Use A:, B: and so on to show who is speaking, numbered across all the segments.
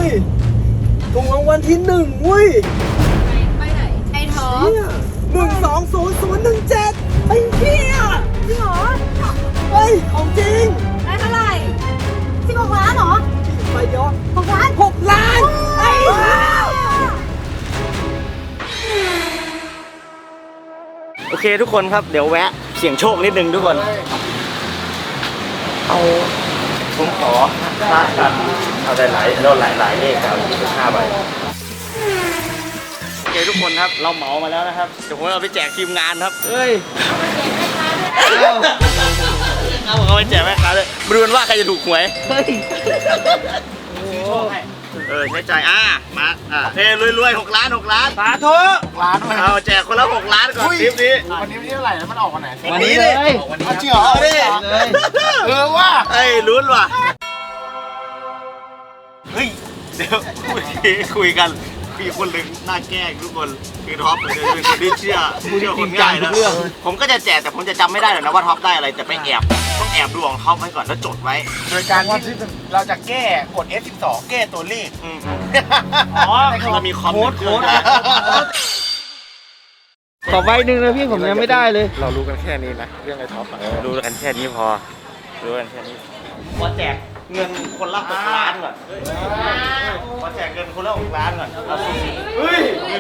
A: ยถูกรางวัลที่หนึ่งเว้ย
B: ไปไหนไอ้ท้อ
A: 1200017ไอ้เหี้ย
B: จริงเหรอ
A: เฮ้ยของจริง
B: ได้เท่าไหร่16 ล้านเหรอ
A: ไปเยอะ
B: 6 ล้าน
A: 6 ล้านไอ้โอเคทุกคนครับเดี๋ยวแวะเสี่ยงโชคนิดนึงทุกคนเอาผมขอพลาดกันเอาได้หลายเลขครับ5 ใบโอเคทุกคนครับเราเหมามาแล้วนะครับเดี๋ยวผมเอาไปแจกทีมงานครับเฮ้ยเอาไปแจกแม่ค้าเลยมาดูกันว่าใครจะถูกหวยเฮ้ยใช้จ่ายมารวย6 ล้านสาธุล้านเอาแจกคนละ6 ล้านก่อนคลิปนี้
C: วันนี้เท่าไหร่แล้วมันออกวันไหน
A: วันนี้เลย
C: เอาจริงเหรอดิว่า
A: ลุ้นว่ะเฮ้ยเดี๋ยวคุยกันมีคนหนึ่งหน้าแก้ทุกคนคือท็อปเลยเป็นคนที่เชื่อคนง่ายนะผมก็จะแจกแต่ผมจะจำไม่ได้หรอกนะว่าท็อปได้อะไรแต่ไปต้องแอบดูของท็อปไว้ก่อนแล้วจดไว้
C: โดยการที่เราจะแก้กด F12 แก้ตัวเลข
A: เรามีคอมโค้ด
D: ต่อใบหนึ่งนะพี่ผมยังไม่ได้เลย
C: เรารู้กันแค่นี้นะเรื่องไอ้ท็อป
A: รู้กันแค่นี้พอรู้กันแค่นี้ขอแจกเงินคนละ6 ล้านก่อนขอแจกเงินคนละ6 ล้านก่อนเฮ้ย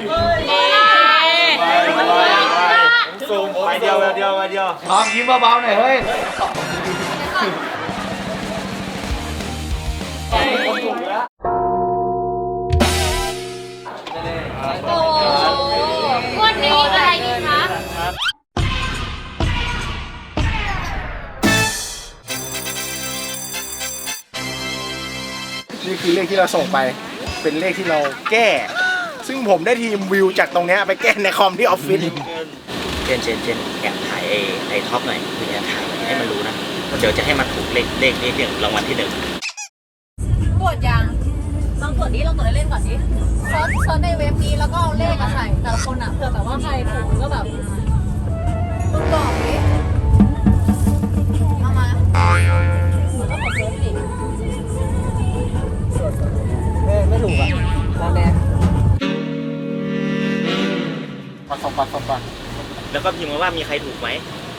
A: ซูมไปเดียว
D: น้องยิ้มเบาๆหน่อยเฮ้ย
B: โอ้วันนี้อะไรดีคะ
C: นี่คือเลขที่เราส่งไปเป็นเลขที่เราแก้ซึ่งผมได้ทีมวิวจากตรงนี้ไปแก้ในคอมที่ออฟฟิศ
A: เจนแอบถ่ายไอ้ท็อปหน่อยคือแอบถ่ายให้มันรู้นะเดี๋ยวจะให้มันถูกเลขนี้เรื่องรางวัลที่1
B: กดยังลองกดเล่นก่อนดิเซิร์ชในเว็บนี้แล้วก็เอาเลขใส่แต่ละคนเผื่อแบบว่าใครถูกก็แบบมึงบอกดิมาแล้วก็กดเซิร์ชดิ
D: ไม่ถูกอ่ะตาแดง
C: ปัด
A: แล้วก็พิมพ์มาว่ามีใครถูกไหม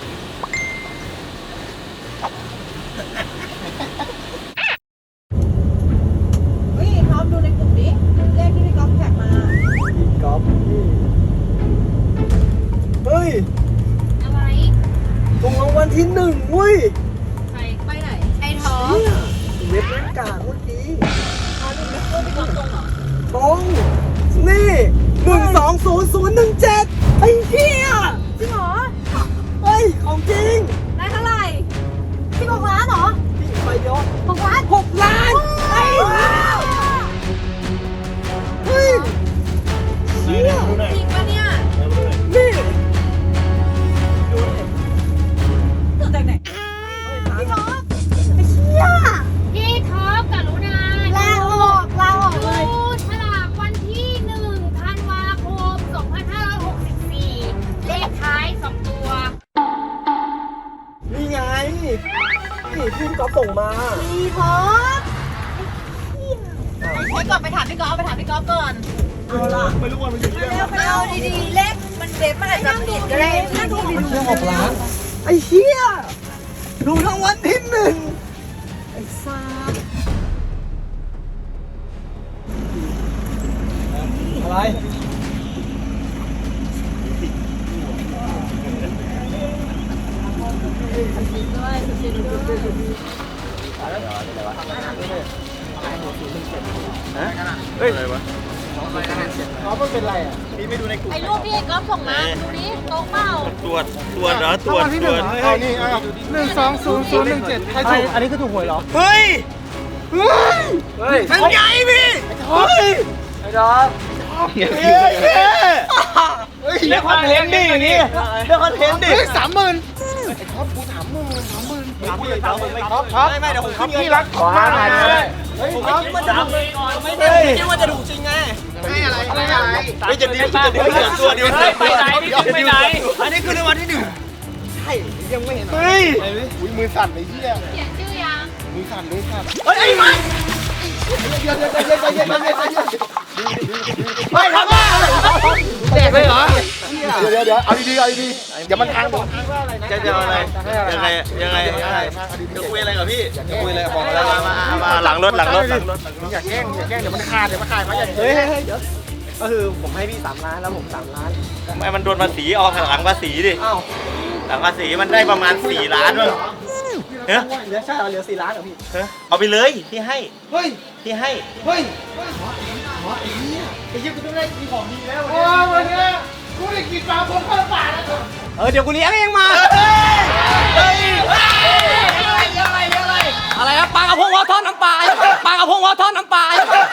B: เฮ้ยท็อปดูในกลุ่มดิเลขที่พี่ก๊อฟแท็กมา
A: พี่ก๊อฟเฮ้ย
B: อะไร
A: ถูกรางวัลที่1เว้ย
B: ไปไหนไอ้ท้อ
A: เว็บนั่งกากเมื่อกี้
B: พี่ก๊อฟตรงเหรอ
A: ตรงนี่1200017ไอ้เหี้ย
B: จริงเหรอ
A: เฮ้ยของจริง
B: ได้เท่าไหร่16 ล้านเหรอ
A: ไปเยอะ
B: 6 ล้าน
A: 6 ล้านไอ้เฮ้ยเชี่ย
B: จริงปะเนี่ย
A: นี่ดูดิ
B: ตื่นจากไหนพี่ท็อปไอ้เชี่ยพี่ท็อปกรุณาลาออกเลยฉลากวันที่1 ธันวาคม 2564 เลขท้าย2 ตัว
A: นี่ไงนี่พี่ก๊อฟส่งมา
B: พี่ท็อปให้ก่อนไปถามพี่ก๊อฟก่อน
A: เอาล่ะไม่รู้ว่ามันอยู่ที่ไหน
B: เอาดีๆเลขมันเด็ดมันอาจจะผิดก็ได้นั่งดู
A: มันแค่6 ล้านไอ้เหี้ยดูรางวัลที่1ไอ้ซ่าอะไรเฮ้ยอะไรวะน้องมันเป็นไรอ่ะพี่ไม่ดูในกลุ่ม
B: ไอ้รูปที่ไอ้ก๊อฟส่งมาดูนี่ตรงเปล่า
A: ตรวจเหรอตรวจ
C: เอานี่1200017ใครถูกอันนี้คือถูกหวยเหรอ
A: เฮ้ยมันใหญ่พี่เฮ้ย
D: ไอ้ดอม
A: เรียกคอนเทนต์ดิอย่างนี้เรียกคอนเทนต์ดิ
C: 30,000ไอ้ท็อปกู30,000ท็อปไม่เดี๋ยวผมขึ้นพี่รัก
D: ขวาหน่อยเลย
A: ผมไม่คิดว่าจะถูกไม่คิดว่าจะถูกจริงไง
C: ไม่อะไร
A: ไม่จะดีตัวเดียว
D: ไปไหน
A: อันนี้คือรางวัลที่1ใช่ยังไม่เห็นเฮ้ย
C: มือสั่นไอ้เหี้ย
B: เขียนชื่อยัง
C: มือสั่น
A: เฮ้ยไอ้มัน
C: ไม่ทำบ้า
D: แจกเลยเหรอ
C: เดี๋ยวเอาดีๆเดี๋ยวมันทางบอกว่าอะไรนะ
A: จะอะไรยังไงจะคุยอะไรกับพี่จะคุยอะไรบอกแล้วมาหลังรถ
C: อย่าแกล้งเดี๋ยวมันขาดมาอย่า
D: เฮ้ยเดี๋ยวก็คือผมให้พี่3 ล้านแล้วผม3 ล้าน
A: ไม่มันโดนภาษีออกหลังภาษีดิ
D: อ้าว
A: หลังภาษีมันได้ประมาณ4 ล้านมั้งเฮ้ย
D: เหลือใช่เหลือ4 ล้านเหรอพี่
A: เอาไปเลยพี่ให้
C: เฮ้ย
A: พี่ให้
C: ไอ้ยี่กูต้องได้กินของดีแล้ววันนี้กูได้กินปลาพงข้าวป่าแล้ว
D: เดี๋ยวกูเลี้ยงเองมาอะไรนะปลากระพงวอทอดน้ำปลาปลากระพงวอทอดน้ำปลา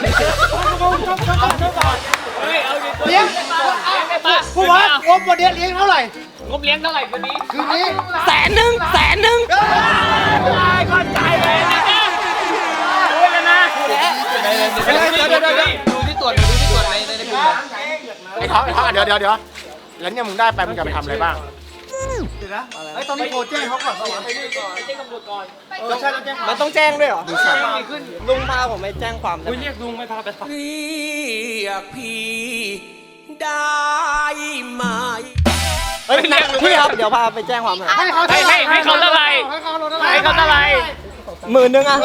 C: เลี้ยงผู้ว่างบวันนี้เลี้ยงเท่าไหร่
D: งบเลี้ยงเท่าไหร่คืนนี้
C: คืนนี้
D: 100,000ก็จ่ายเลยนะพูดแล้วนะดูที่ตรวจในกลุ่ม
C: ไอ้ท้องเดี๋ยวแล้วเนี่ยมึงได้ไปมึงจะไปทำอะไรบ้างไอ้ตอนนี้โทรแจ้งเขาก่อน
D: มันต้องแจ้งด้วยเหรอลุงพาผมไปแจ้งความคุณเรียกลุงไม่พาไปเรียกพี่ได้ไหมพี่ครับเดี๋ยวพาไปแจ้งความหน่อย
C: ให้เขาเท่าไหร่
D: 10,000อ่ะ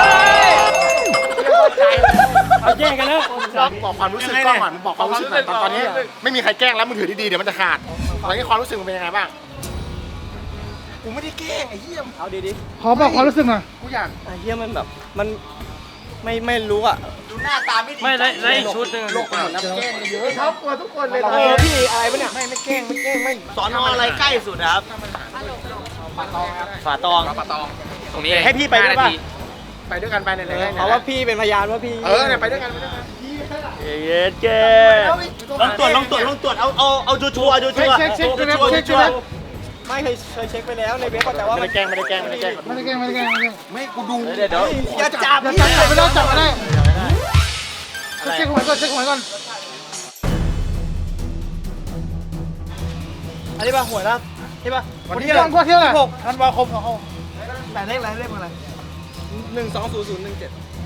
D: เอาแจ้งกันแล้ว
C: บอกความรู้สึกกล้องก่อนบอกความรู้สึกหน่อยตอนนี้ไม่มีใครแกล้งแล้วมึงถือดีๆเดี๋ยวมันจะขาดตอนนี้ความรู้สึกมึงเป็นยังไงบ้างกูไม่ได้แกล้งไอ้เหี้ย
D: เอาดี
C: ขอบอกความรู้สึกหน่อยกูอยาก
D: ๆไอ้เหี้ยมันแบบมันไม่รู้อ่ะ
A: ดูหน้าตาไม่ดี
D: ไม่ได้อีกชุดนึง
C: โลกมันหมดน้ำแกล้งเยอะท็อปกลัวทุกคนเลย
D: พี่อะไรปะเนี่ย
C: ไม่แกล้งไม่
A: สอนออะไรใกล้สุดครับฝาตอง
D: ตรงนี้
A: ให้พี่ไปด้วยป่ะ
C: ไปด้วยกันไปในไหน
D: เพราะว่าพี่เป็นพยานว่าพี่
C: เนี่ยไปด้วยกัน
A: เย็ดเก้ลองตรวจเอาชัวร์
D: ไม่เคยเช็คไปแล้วในเว็บแต่ว่า
A: ไม่ได้แกล้ง
C: ไม่กูดู
A: เดี๋ยว
D: อย่าจับ
C: ไม่ได้จับไม่ได้
A: อะไร
C: เช็คหวยก่อน
D: อันนี้ป่ะหวยรับใช่ป่ะ
C: วันที่วันเที่ยวไหนธันวาคมของเขา
D: แต่เลขอะไร1200017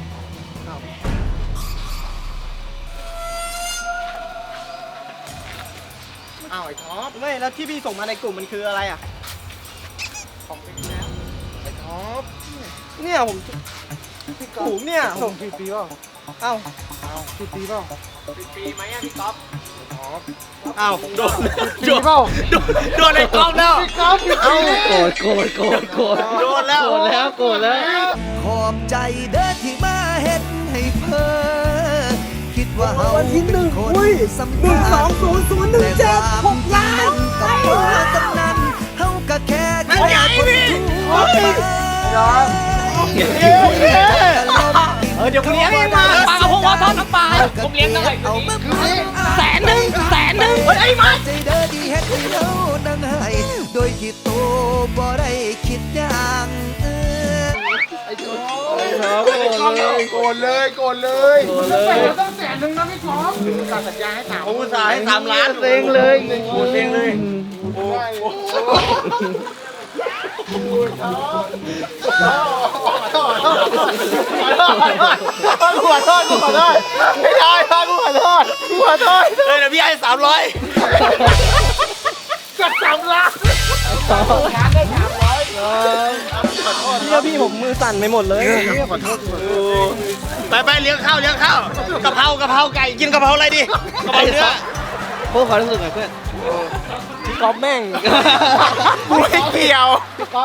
C: อ้าวไอ้ท็อป
D: ไม่แล้วที่พี่ส่งมาในกลุ่มมันคืออะไรอ่ะ
C: ของปีแล้วไอ้ท็อป
D: เนี่ยผมกลุ่มเนี่ย
C: ส่งกี่ปีเปล่า
D: เอ้า
C: กี่ปีเปล่า
D: ปีไหมอ่ะพี่ก๊อฟ
A: อ้าวโดน
C: ปีเปล่า
A: โดนไอ้กล้องแล้ว
C: พี่ก๊อฟพี่ก๊อฟ
A: โดนแล้ว
E: ขอบใจเด้อที่มาเฮ็ดให้เพ้อคิดว่าเฮาเป็นคนสำคัญแต่ความจริงนั้นกับเธอตำนั้นเฮาก็แค่คนทั่วไป
D: เดี๋ยวกูเลี้ยงเองมาปลากระพงวอทอดน้ำปลาผมเลี้ยงเท่าไหร่
E: เอามา
D: 100,000เฮ้ยมา
E: ใจเด้อที่เฮ็ดให้เรานั่งให้โดยที่โตบ่ได้คิดอย่าง
C: โกนเลยต้อง100,000นะพี่ท็อปการสัญญาให้ถาม
A: ผมอุตส่าห์ให้3 ล้าน
C: เซ็งเลย
A: โอ้
C: ขอโทษไม่ได้กูขอโทษ
A: เดี๋ยวพี่ให้300
C: จัด3 ล้าน
D: เดี๋ยวพี่ผมมือสั่นไปหมดเลย
C: ขอโทษ
A: ไปเลี้ยงข้าวกะเพราไก่กินกะเพราอะไรดีกะเพราเนื้อ
D: เพื่อความรู้สึกหน่อยเพื่อนพี่ก๊อฟแม่ง
C: กูไม่เกี่ยว